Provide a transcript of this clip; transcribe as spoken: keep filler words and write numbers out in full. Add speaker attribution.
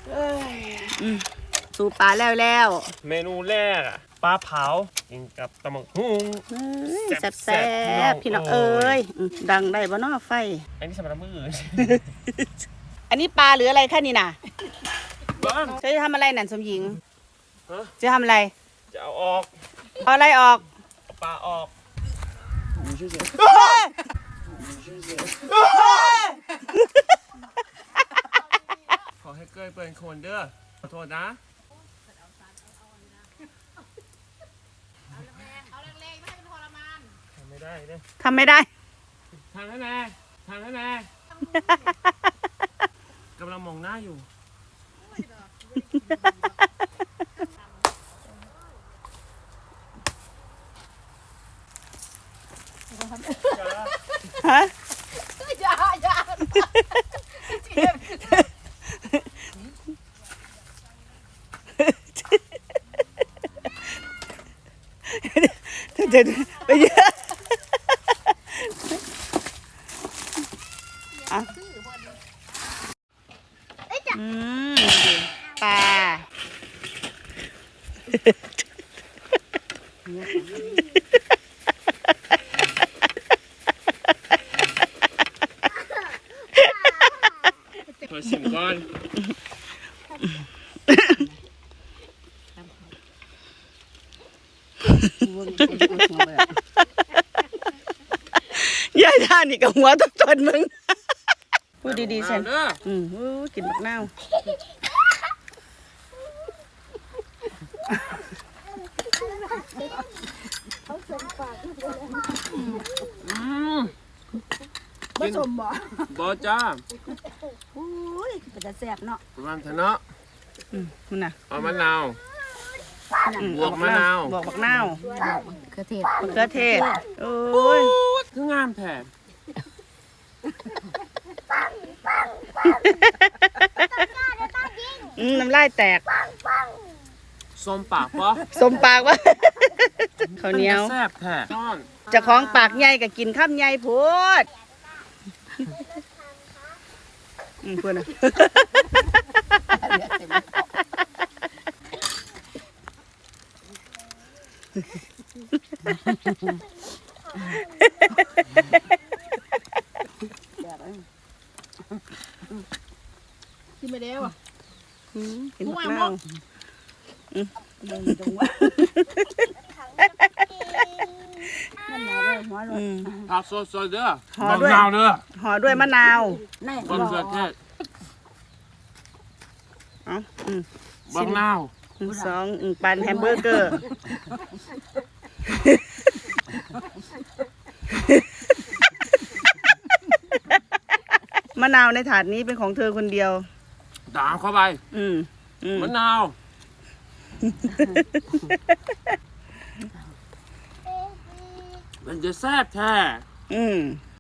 Speaker 1: สู่ปลาแล้วแล้ว
Speaker 2: เมนูแรกอะปลาเผากินกับตำบักหุ่ง
Speaker 1: แซ่บแซ่บพี่น้องเอ้ยดังได้บ่เนาะไฟ
Speaker 2: อันนี้สำหรับมือ
Speaker 1: อันนี้ปลาหรืออะไรคะนี่น่ะ
Speaker 2: บ้าน
Speaker 1: จะทำอะไรนั่นสมหญิง
Speaker 2: ฮะ
Speaker 1: จะทำอะไร
Speaker 2: จะเอาออก
Speaker 1: เอาอะไรออก
Speaker 2: เอาปลาออกขอให้เกยเป็นคนเด้อขอโทษนะทำไม่ได้เด้อ
Speaker 1: ทำไม่ได้
Speaker 2: ทำให้แม่ทำให้แม่กำลังมองหน้าอยู่
Speaker 1: ฮะ
Speaker 3: อย่าอย่าเจ็บ
Speaker 1: เดี๋ยวไปเยอะอ่ะอืมปลา
Speaker 2: ขอชิมก่อน
Speaker 1: ย่าท่านี่กับหัวต้นต้นมึงพูดดีๆฉัน
Speaker 2: เด้อ
Speaker 1: อืมอู้กินบักนาว
Speaker 2: อืม
Speaker 3: ผสมบ่
Speaker 2: บอจ้า
Speaker 3: อุ้ยเป็นจะแสบเนาะ
Speaker 2: ประมาณเถอะเนาะ
Speaker 1: อืมมันน่ะ
Speaker 2: เอามะนาว
Speaker 1: อื
Speaker 2: บวกมะนาว
Speaker 1: บวกบักนาว
Speaker 3: กระเทศ
Speaker 1: มะเขือเทศโอ้ย
Speaker 2: คืองามแท้
Speaker 1: อืมน้ำลายแตก
Speaker 2: ส้มปากปะ
Speaker 1: สมปากวะ ข้าวเหนียว
Speaker 2: แซ่บแท้นอน
Speaker 1: เจะคล้าของปากใหญ่กับกินข้ามใหญ่โพูดอืมพูดนะ
Speaker 3: กินไปแล้วอ่ะ
Speaker 1: อืมกินบักนาวอืม
Speaker 3: เดินตรงว่ามันหนาวเลยหัวร
Speaker 1: อื
Speaker 3: ถ
Speaker 1: ม
Speaker 2: ผักสดๆเด้อ
Speaker 1: ห่อด้วย
Speaker 2: มะนาวเด้อ
Speaker 1: ห่อด้วยมะนาว
Speaker 3: แน่
Speaker 2: บังเขือเทศ
Speaker 1: เอ้าอืม
Speaker 2: บังนาว
Speaker 1: อืมสองอืมปันแฮมเบอร์เกอร์ มะนาวในถาดนี้เป็นของเธอคนเดียว
Speaker 2: ตามเข้าไป
Speaker 1: อืมอืม
Speaker 2: มะนาว มันจะแซ่บแท้
Speaker 1: อืม